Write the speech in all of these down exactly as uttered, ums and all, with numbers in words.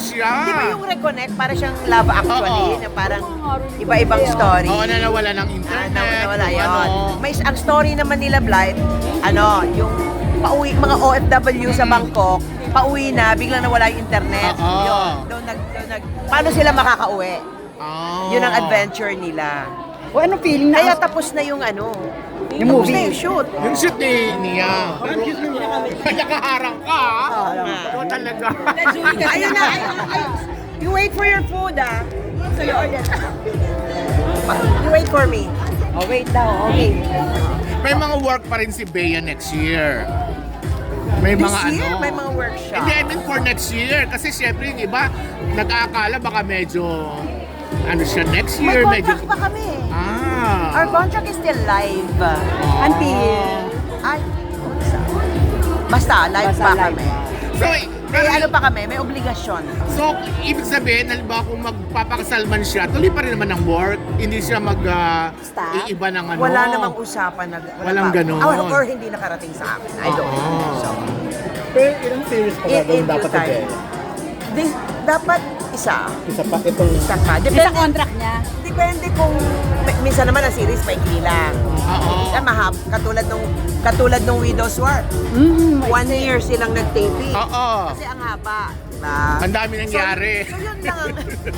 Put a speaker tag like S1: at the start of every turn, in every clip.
S1: siya.
S2: Di ba yung reconnect, para siyang Love Actually,
S1: Oo.
S2: na parang iba-ibang story.
S1: Oo, na nawala ng
S2: Ah,
S1: internet.
S2: na- nawala
S1: kung
S2: yun.
S1: ano.
S2: May ang story naman nila Blight, ano, yung pauwi, mga O F W sa Bangkok, pauwi na, biglang nawala yung internet.
S1: Oo.
S2: Yun, doon nag, doon nag, paano sila makakauwi?
S1: Oh.
S2: Yun ang adventure nila.
S3: O anong feeling na?
S2: Kaya tapos na yung ano,
S3: Yung
S2: tapos
S3: movie.
S2: na yung shoot.
S1: Yung shoot ni niya. Kaya kaharang ka.
S2: Oo,
S1: Oo, talaga.
S2: Ayun na, ayun na, ayun. You wait for your food, ah. So you order. You wait for me.
S3: Oh, wait daw. Okay.
S1: May mga work pa rin si Bea next year. May
S2: This
S1: mga
S2: year,
S1: ano.
S2: may mga workshop.
S1: Hindi, I mean for next year. Kasi syempre yung iba, nag-aakala baka medyo, ano siya, next
S2: May
S1: year, medyo...
S2: contract pa kami.
S1: Ah.
S2: Our contract is still live.
S1: Oh.
S3: Until.
S2: Ay, basta live
S3: Basta
S2: pa
S3: live
S2: kami.
S3: pa.
S1: So,
S2: May ano pa kami, may obligasyon.
S1: So, ibig sabihin, halimbawa kung magpapakasal man siya, tuloy pa rin naman ang work. Hindi siya mag uh,
S3: Stop?
S1: iiba ng ano.
S2: Wala namang usapan na wala
S1: Walang
S2: pa.
S1: ganon.
S2: Or, or hindi nakarating sa akin. I don't know.
S1: Oo.
S2: So,
S4: Pero ilang series pa
S2: in,
S4: ba
S2: in
S4: doon
S2: due
S4: dapat
S2: time.
S4: i-bet?
S2: Di- dapat isa.
S4: Isa pa itong...
S2: Isa pa.
S3: Sa
S2: Depende,
S3: contract niya.
S2: depende kung minsan naman ang series maikli lang.
S1: Oo.
S2: Minsan mahab, katulad nung katulad nung Widow's War.
S3: Mm,
S2: One year silang nag-taping.
S1: Oo.
S2: Kasi ang haba, diba?
S1: Ang dami nangyari.
S2: So, so yun lang ang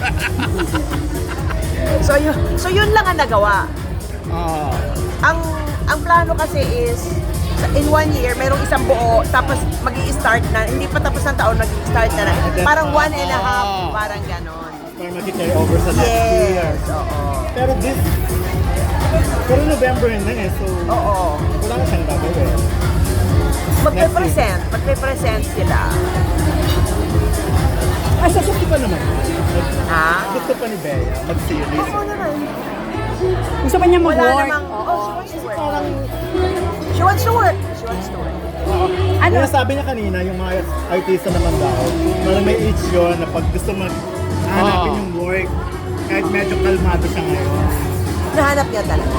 S2: So yun, so yun lang ang nagawa.
S1: Oo.
S2: Ang ang plano kasi is sa- in one year, mayroong isang buo, tapos mag start na, hindi pa tapos ng taon, mag start na na. Parang one and a half,
S1: Oo.
S2: parang ganon.
S4: Para mag-carry over sa next year.
S2: Yes, oo.
S4: Pero this... Pero November na eh, so...
S2: Oo.
S4: Wala na siyang gagawin.
S2: Magpe-present, magpe-present sila.
S4: Ah, sa gusto pa naman.
S2: Ha?
S4: Gusto pa ni Bea mag-series.
S2: Oo naman.
S3: Gusto pa niya
S2: Wala
S3: mag-work.
S2: namang, oh, she wants to work.
S4: Parang...
S2: She wants to work. She wants to work.
S4: Ano? Yung sabi niya kanina, yung mga artista naman daw, parang may age yun na pag gusto mag hanapin
S1: Oo.
S4: yung work, kahit medyo kalmado siya ngayon.
S2: Nahanap niya talaga.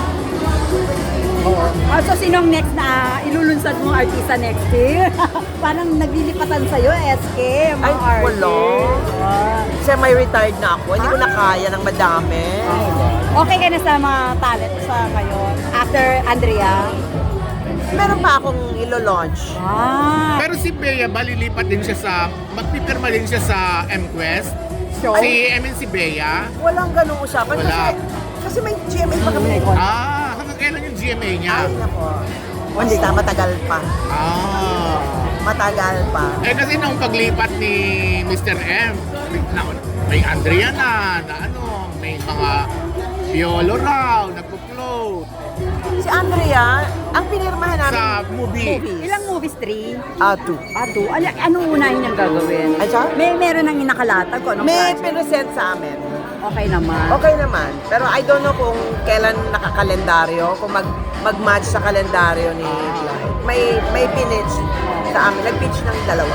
S4: Oo.
S3: Ah, so sinong next na ilulunsad mong artista next year? Parang naglilipatan sa'yo, S K, mga
S2: Ay,
S3: artist.
S2: wala.
S3: Ah.
S2: Kasi may retired na ako. Hindi ko na kaya ng madami.
S3: Okay ka na sa mga talent sa ngayon? After Andrea?
S2: Meron pa akong ilo-launch.
S3: Ah.
S1: Pero si Bea ba, lilipat din siya sa, magpipirma din siya sa M-Quest?
S3: So,
S1: Si, I mean si Bea?
S2: Walang ganung usapan
S1: Wala.
S2: kasi kasi may G M A pa kami.
S1: Ah, hanggang kailan yung G M A niya?
S2: Ay, nako. Basta matagal pa.
S1: Ah.
S2: Matagal pa.
S1: Eh kasi nung paglipat ni Mister M, na, may Andrea na, na ano, may mga Piolo raw, nagpo-float
S2: Si Andrea, ang pinirmahan namin
S1: sa movie.
S2: movies.
S3: ilang movies? Three?
S2: Ah, two.
S3: Ah, two? Ano, anong unahin niyang gagawin?
S2: Ay, siya?
S3: May meron nang inakalatag ko. Anong
S2: May
S3: project?
S2: pinresent sa amin.
S3: Okay naman.
S2: Okay naman. Pero I don't know kung kailan nakakalendaryo, kung mag mag-match sa kalendaryo ni Clyde. May may pinitch sa amin. Nag-pitch ng dalawa.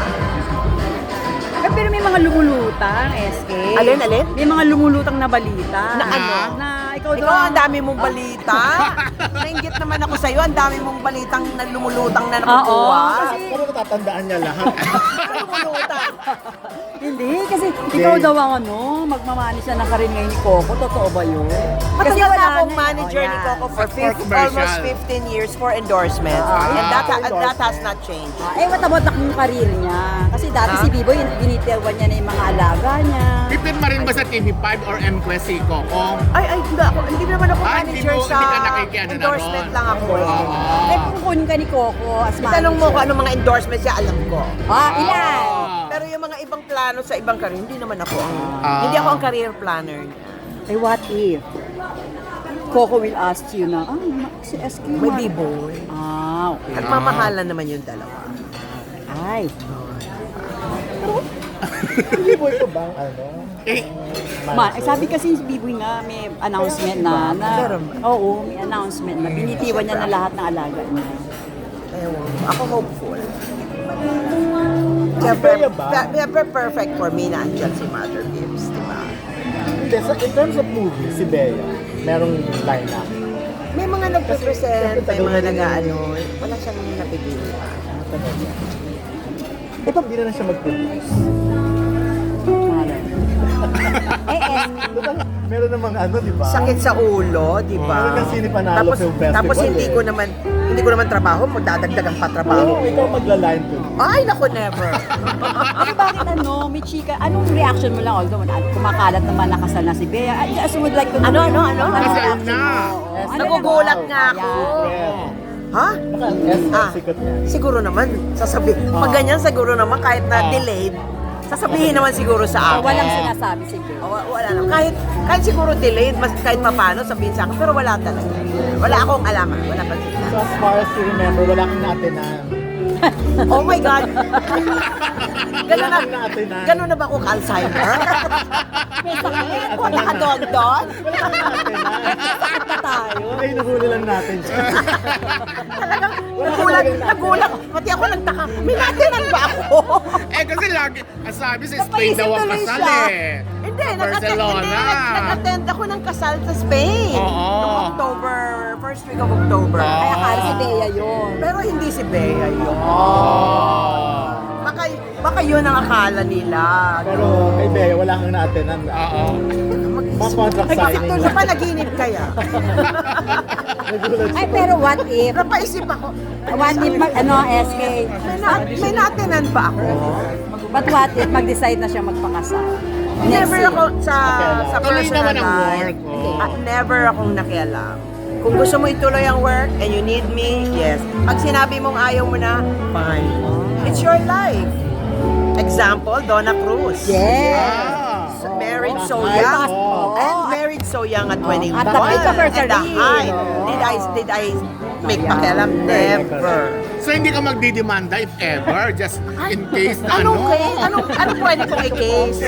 S3: Eh, pero may mga lumulutang, S K.
S2: Alin, alin?
S3: May mga lumulutang na balita.
S2: Na ano?
S3: Na ikaw daw.
S2: Ikaw, ang dami mong balita. Nainggit naman ako sa'yo. Ang dami mong balitang na lumulutang na nakukuha.
S3: Oo, kasi-
S4: Pero natatandaan niya lahat.
S2: lumulutang.
S3: Hindi, kasi ikaw daw ang ano, magmamani siya ng karin ngayon ni Coco. Totoo ba yun?
S2: Matagal na akong
S3: na-
S2: manager
S3: Oh,
S2: ni
S3: yan.
S2: Coco for
S1: For
S2: fif-
S1: commercial.
S2: almost fifteen years for endorsement.
S3: Ah,
S2: and that,
S4: for
S2: and that has not changed.
S3: Ah, eh, what about na yung karir niya? Kasi dati
S2: Ha?
S3: si Biboy, binitawan niya na yung mga alaga niya.
S1: Pipirma rin ba sa T V five or M-Quest si Coco?
S2: Ay, ay, hindi ako. Hindi naman ako
S1: Ah, hindi
S2: manager
S1: mo-
S2: sa
S1: hindi ka nakikiano na
S2: endorsement
S1: ron.
S2: lang ako. eh.
S1: Oo.
S3: Eh, kukunin ka ni Coco as manager.
S2: Itanong mo kung anong mga endorsement siya, alam ko.
S3: Ah, ilan?
S1: Ah.
S2: Pero yung mga ibang plano sa ibang career, hindi naman ako ang,
S1: Ah.
S2: hindi ako ang career planner niya.
S3: Eh, what if? Coco will ask you na, ah, ma- si S Q.
S2: May
S3: man."
S2: B-boy.
S3: Ah, okay.
S2: At mamahalan naman yung dalawa.
S3: Ay.
S4: Hindi boy ko bang ano?
S1: Eh,
S3: Ma, eh, sabi kasi si Biboy nga may announcement na, na
S2: Meron ba?
S3: oo, may announcement na binitiwan niya na lahat ng alaga niya.
S2: Ewan ko. Ako hopeful. Siyempre,
S4: Kaya ba?
S2: pa- siyempre perfect for me na andyan si Mother Gibbs, di ba?
S4: Hindi, sa, in terms of movie, si Bea, merong line-up.
S2: May mga nagpe-present, may mga
S4: tagal na
S2: nag-ano, wala siyang napipili pa.
S4: Ito, hindi na lang siya mag-produce.
S3: Malay
S4: meron namang ano, di ba?
S2: sakit sa ulo, di ba?
S4: Meron kang sini panalo
S2: tapos,
S4: film festival,
S2: tapos hindi
S4: eh.
S2: ko naman, hindi ko naman trabaho, magdadagdagan pa trabaho.
S4: Oo, ikaw magla-line ko.
S2: Ay, naku, never.
S3: Kasi bakit ano, may chika, anong reaction mo lang? Although, at kumakalat naman nakasal na si Bea. I just would like to know.
S2: Ano,
S3: yung-
S2: ano, ano?
S3: anong
S1: Kasal
S3: reaction
S1: na.
S3: mo? Oo. Ano
S2: Nagugulat
S3: yan?
S2: nga ako.
S3: Ayan.
S2: Ha?
S4: Naka-S
S2: Ah,
S4: sikat niya.
S2: siguro naman, sasabi, pag ganyan siguro naman, kahit na delayed, sasabihin naman siguro sa
S3: So,
S2: akin.
S3: walang sinasabi si Bea.
S2: Oh, wa- wala naman. Kahit, kahit siguro delayed, mas, kahit papano sabihin sa akin, pero wala talaga. Wala akong alam, ah. Wala pa sila.
S4: So as far as you remember, wala kang naatinan.
S2: Oh my God! Ganun na,
S4: Wala kang naatinan.
S2: ganun na ba ako ka-Alzheimer? O nakadondon?
S4: Wala kang naatinan.
S3: Pa tayo.
S4: Ay, nahuli lang natin siya.
S2: Talagang nagulat, nagulat. Pati ako nagtaka, may natinan ba ako?
S1: Eh kasi lagi, ang sabi sa Spain
S3: Napaisip
S1: daw ang
S3: tuloy
S1: kasal
S3: siya.
S1: eh.
S2: Hindi,
S1: Sa
S2: nag-attend, hindi,
S1: Barcelona.
S2: nag- nag-attend ako ng kasal sa Spain.
S1: Oo.
S2: Noong October, first week of October.
S1: Oo.
S3: Kaya akala si Bea yun.
S2: Pero hindi si Bea yun.
S1: Oh.
S2: Baka, baka yun ang akala nila.
S4: Pero kay Bea, wala kang naatinan.
S1: Oo.
S4: Mga contract signing
S2: Sa
S4: lang.
S2: panaginip kaya.
S4: Nagulat
S3: Ay,
S4: siya.
S3: pero what if?
S2: Napaisip ako.
S3: What if, mag, ano, S K?
S2: May, na, may natinan ba ako?
S3: But what if mag-decide na siya magpakasal?
S2: Never
S3: year.
S2: ako sa sa
S1: Tuloy
S2: personal
S1: naman ang
S2: life.
S1: work, oh.
S2: At never akong nakialam. Kung gusto mo ituloy ang work and you need me, yes. Pag sinabi mong ayaw mo na, fine. It's your life. Example, Donna Cruz.
S3: Yes.
S1: Ah.
S2: So, married so
S4: Ay,
S2: young.
S4: oo.
S2: And married so young at twenty-one.
S3: At the peak of her
S2: At the
S3: career.
S2: height. Did I, did I make pakialam? Never.
S1: So hindi ka magdidemanda if ever, just in case na
S2: Anong
S1: ano.
S2: case? Anong, anong pwede kong i-case?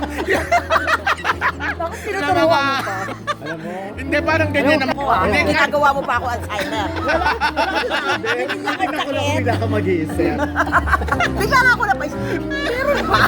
S3: Bakit tinuturuan mo pa?
S4: Alam mo?
S1: Hindi, parang ganyan naman. Hindi, nga-
S2: Ginagawa mo pa ako Alzheimer.
S4: Hindi, tingnan ko lang kung bigla ka mag-iisip.
S2: Bigla nga ako napaisip. Meron ba?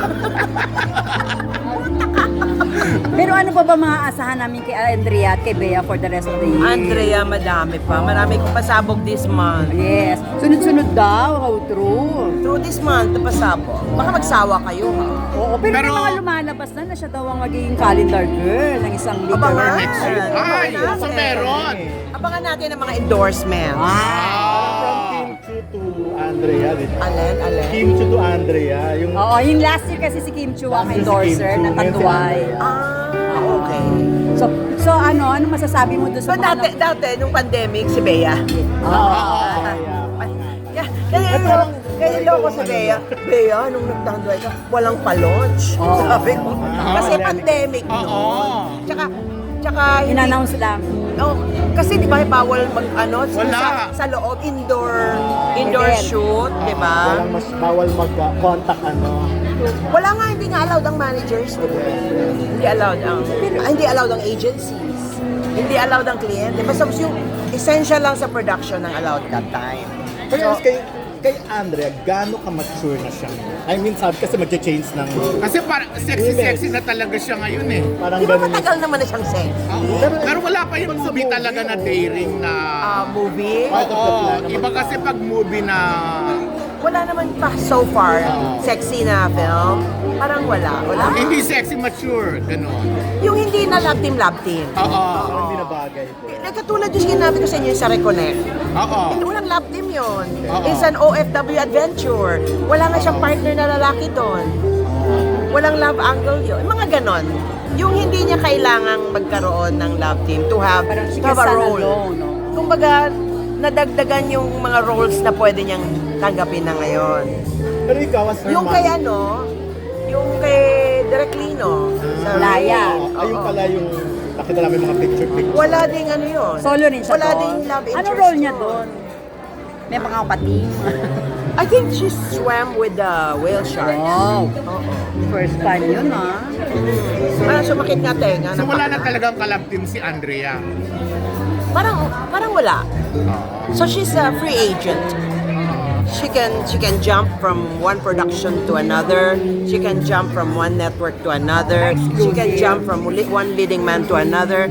S3: Pero ano pa ba mga asahan namin kay Andrea at kay Bea for the rest of the year?
S2: Andrea, madami pa. Marami kong pasabog this month.
S3: Yes. Sunod-sunod daw. How true.
S2: Through this month, pasabog. Baka magsawa kayo, ha?
S3: Oo, pero,
S1: Pero-
S3: may mga lumalabas na na siya daw ang magiging calendar girl ng isang
S2: Abangan.
S3: literal
S1: next year.
S2: Abangan
S1: Ay,
S2: natin.
S1: so meron.
S2: Abangan natin ang mga endorsements.
S3: Ah.
S4: From
S1: Ah.
S4: Kim Chu to Andrea, di ba?
S2: Alin, alin.
S4: Kim Chu to Andrea, yung
S3: Oo, yung last year kasi si Kim Chu ang
S4: Last year si
S3: endorser
S4: Kim Chu,
S3: ng
S4: ngayon si
S3: Tanduay.
S4: Andrea.
S2: Ah, okay.
S3: So, so ano, ano masasabi mo doon
S2: So,
S3: sa mga...
S2: dati, dati, nung pandemic, si Bea.
S3: Oo.
S4: Ah, kaya.
S2: Kaya, kaya,
S4: parang-
S2: kaya loko si Bea. Bea, nung nagtanduay ka, walang pa-launch.
S3: Oo.
S2: Sabi ko.
S4: Ah,
S2: Kasi pandemic
S1: Oo.
S2: noon. Tsaka, tsaka, hindi,
S3: In-announce lang.
S2: oh, kasi di ba bawal mag, ano,
S1: Wala.
S2: sa, sa loob, indoor, indoor
S3: Event.
S2: shoot, di ba?
S4: Walang mas bawal mag-contact ano.
S2: Wala nga, hindi nga allowed ang managers, di ba? Hindi allowed ang, ah, hindi allowed ang agencies. Hindi allowed ang kliyente. Basta yung essential lang sa production ng allowed that time.
S4: Pero kay, kay Andrea, gaano ka mature na siya? I mean, sabi kasi mag-change ng
S1: Kasi parang sexy-sexy na talaga siya ngayon eh.
S4: parang
S2: Di ba
S4: ganun.
S2: matagal naman na siyang sex?
S1: Oo. Pero wala pa yung movie talaga na daring na...
S2: Ah, movie?
S4: Part of the
S1: Oo,
S4: plan
S1: iba
S4: naman.
S1: kasi pag movie na...
S2: Wala naman pa so far. Sexy na film. Parang wala. Wala.
S1: Hindi sexy, mature, gano'n.
S2: Yung hindi na love team, love team.
S1: Oo.
S4: Parang hindi na bagay.
S2: Nagkatulad yung sinabi ko sa inyo yung sa Reconnect.
S1: Oo.
S2: Hindi walang love team yun.
S1: Oo.
S2: It's an O F W adventure. Wala nga siyang partner na lalaki doon. Walang love angle yun. Mga ganon. Yung hindi niya kailangang magkaroon ng love team to have,
S3: Parang she
S2: to
S3: can
S2: have a
S3: stand
S2: role.
S3: alone, no?
S2: Kumbaga, nadagdagan yung mga roles na pwede niyang tanggapin na ngayon.
S4: Pero ikaw, as her
S2: Yung
S4: mom,
S2: kay ano, yung kay Direk Lino. Sa
S3: Laya.
S4: ayun
S2: Oo.
S4: pala yung nakita namin mga picture-picture.
S2: Wala ding ano yun.
S3: Solo rin siya
S2: Wala
S3: doon.
S2: ding love interest.
S3: Anong role niya
S2: yun.
S3: doon? May mga kapating.
S2: I think she swam with the whale shark.
S3: Wow.
S2: Oo.
S3: First time yun, ah.
S2: Parang sumakit nga tenga.
S1: So wala na
S2: napaka-
S1: talagang kalab team si Andrea.
S2: Parang, parang wala. So she's a free agent. She can she can jump from one production to another. She can jump from one network to another. She can jump from li- one leading man to another.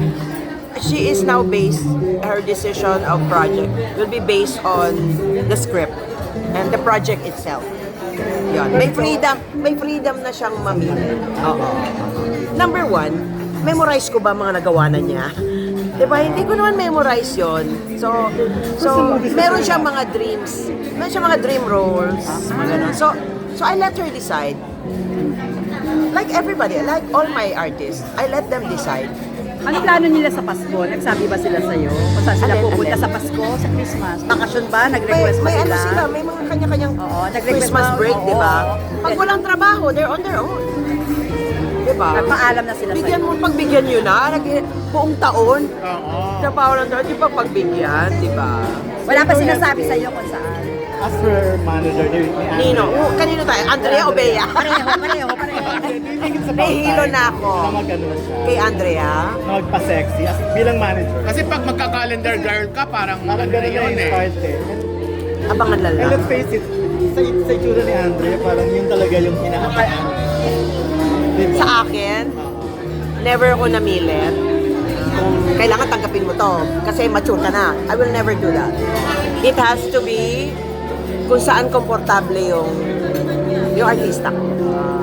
S2: She is now based, her decision of project will be based on the script and the project itself. Yun. May freedom, may freedom na siyang mamili. Oo. Number one, memorize ko ba mga nagawa na niya? Diba? Hindi ko naman memorize yon. So, so meron siyang mga dreams. Meron siyang mga dream roles. Mga ganun. So, so I let her decide. Like everybody, like all my artists, I let them decide.
S3: Ano plano nila sa Pasko? Nagsabi ba sila sa'yo? Kung saan sila
S2: Alin,
S3: pupunta
S2: alin?
S3: sa Pasko, sa Christmas? Bakasyon ba?
S2: May,
S3: Nag-request ba
S2: may
S3: sila?
S2: ano sila, may mga kanya-kanyang
S3: Oo, nag-request
S2: Christmas
S3: ba?
S2: break,
S3: Oo.
S2: di ba? Pag walang trabaho, they're on their own. Di ba?
S3: Nagpaalam na sila
S2: Bigyan
S3: sa'yo.
S2: mo, pagbigyan nyo na, nag buong taon.
S1: Oo.
S2: Trabaho lang taon, di ba pagbigyan, di ba?
S3: Wala pa sinasabi sa'yo kung saan?
S4: As her manager, ni ni Andrea.
S2: Nino, uh, kanino tayo? Andrea o Bea?
S3: Pareho, pareho, pareho.
S4: Do you think it's about
S2: Nahihilo
S4: time
S2: na ako.
S4: Na mag-ano siya?
S2: Kay Andrea?
S4: Na magpa-sexy as bilang manager.
S1: Kasi pag magka-calendar girl ka, parang
S4: Parang
S1: ano na
S4: gano'n na
S1: yun
S4: yung
S1: eh.
S4: start eh.
S2: Abangan na
S4: And
S2: lang.
S4: let's face it, sa, sa itsura ni Andrea, parang yun talaga yung inaabangan. Diba?
S2: Sa akin, never ako namilit. Kung kailangan tanggapin mo to, kasi mature ka na. I will never do that. It has to be kung saan komportable yung yung artista ko.